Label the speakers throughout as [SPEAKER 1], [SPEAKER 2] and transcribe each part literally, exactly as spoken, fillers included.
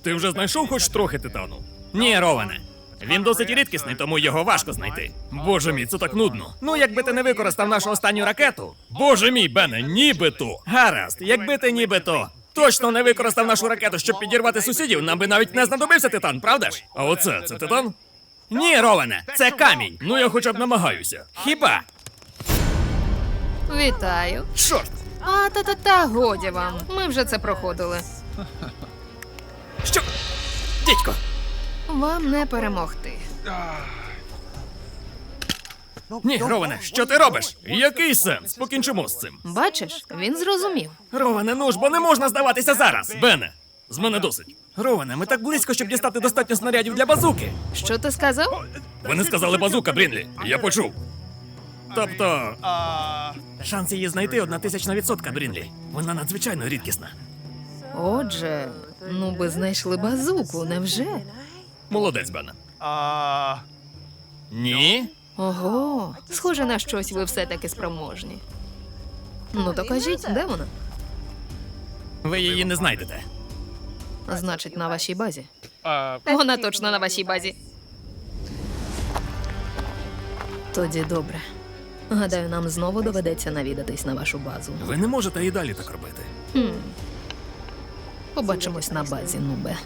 [SPEAKER 1] Ти вже знайшов хоч трохи титану? Ні, Роване. Він досить рідкісний, тому його важко знайти. Боже мій, це так нудно. Ну, якби ти не використав нашу останню ракету. Боже мій, Бене, нібито. Гаразд, якби ти нібито точно не використав нашу ракету, щоб підірвати сусідів, нам би навіть не знадобився титан, правда ж? А оце, це титан? Ні, Роване, це камінь. Ну я хоча б намагаюся. Хіба?
[SPEAKER 2] Вітаю.
[SPEAKER 1] Чорт!
[SPEAKER 2] А, та-та-та, годі вам. Ми вже це проходили.
[SPEAKER 1] Що? Дідько!
[SPEAKER 2] Вам не перемогти.
[SPEAKER 1] Ні, Роване, що ти робиш? Який сенс? Покінчимо з цим.
[SPEAKER 2] Бачиш, він зрозумів.
[SPEAKER 1] Роване, ну ж, бо не можна здаватися зараз. Бене, з мене досить. Роване, ми так близько, щоб дістати достатньо снарядів для базуки.
[SPEAKER 2] Що ти сказав?
[SPEAKER 1] Вони сказали базука, Брінлі. Я почув. Тобто, шанс її знайти одна тисячна відсотка, Брінлі. Вона надзвичайно рідкісна.
[SPEAKER 2] Отже, ну би знайшли базуку, невже?
[SPEAKER 1] Молодець, Бене. Ні?
[SPEAKER 2] Ого, схоже на щось ви все-таки спроможні. Ну то кажіть, де вона?
[SPEAKER 1] Ви її не знайдете.
[SPEAKER 2] Значить, на вашій базі. Вона точно на вашій базі. Тоді добре. Гадаю, нам знову доведеться навідатись на вашу базу.
[SPEAKER 1] Ви не можете і далі так робити.
[SPEAKER 2] Хм. Побачимось на базі, Нубе.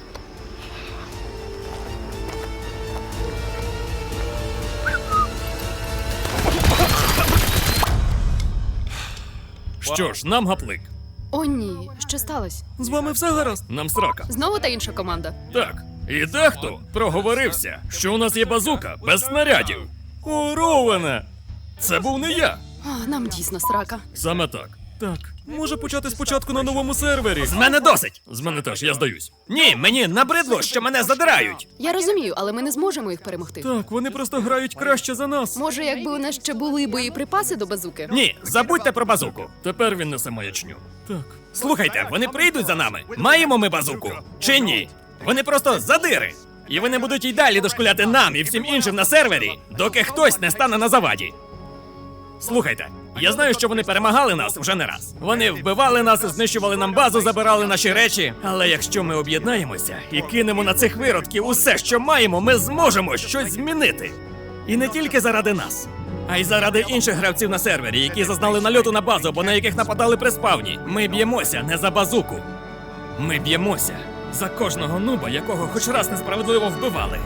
[SPEAKER 1] Що ж, нам гаплик.
[SPEAKER 3] О, ні, що сталося?
[SPEAKER 1] З вами все гаразд? Нам срака.
[SPEAKER 3] Знову та інша команда.
[SPEAKER 1] Так, і дехто проговорився, що у нас є базука без снарядів. О, Роване! Це був не я.
[SPEAKER 3] А, нам дійсно срака.
[SPEAKER 1] Саме так. Так, може почати спочатку на новому сервері. З мене досить! З мене теж, я здаюсь. Ні, мені набридло, що мене задирають.
[SPEAKER 3] Я розумію, але ми не зможемо їх перемогти.
[SPEAKER 1] Так, вони просто грають краще за нас.
[SPEAKER 3] Може, якби у нас ще були боєприпаси до базуки?
[SPEAKER 1] Ні, забудьте про базуку. Тепер він несе маячню. Так. Слухайте, вони прийдуть за нами. Маємо ми базуку? Чи ні? Вони просто задири. І вони будуть й далі дошкуляти нам і всім іншим на сервері, доки хтось не стане на заваді. Слухайте, я знаю, що вони перемагали нас вже не раз. Вони вбивали нас, знищували нам базу, забирали наші речі. Але якщо ми об'єднаємося і кинемо на цих виродків усе, що маємо, ми зможемо щось змінити. І не тільки заради нас, а й заради інших гравців на сервері, які зазнали нальоту на базу або на яких нападали при спавні. Ми б'ємося не за базуку. Ми б'ємося за кожного нуба, якого хоч раз несправедливо вбивали.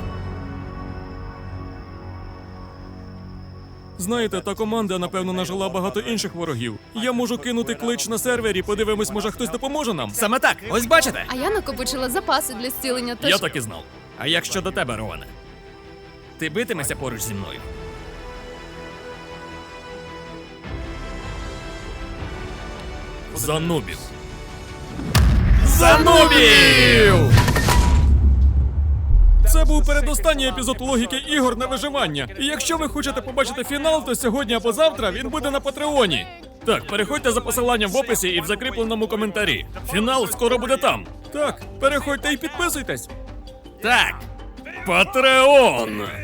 [SPEAKER 1] Знаєте, та команда, напевно, нажила багато інших ворогів. Я можу кинути клич на сервері, подивимось, може хтось допоможе нам. Саме так, ось бачите?
[SPEAKER 3] А я накопичила запаси для зцілення, тож...
[SPEAKER 1] Я так і знав. А як щодо тебе, Роване? Ти битимешся поруч зі мною? За нубів. За нубів! Це був передостанній епізод логіки ігор на виживання. І якщо ви хочете побачити фінал, то сьогодні або завтра він буде на Патреоні. Так, переходьте за посиланням в описі і в закріпленому коментарі. Фінал скоро буде там. Так, переходьте і підписуйтесь. Так, Патреон!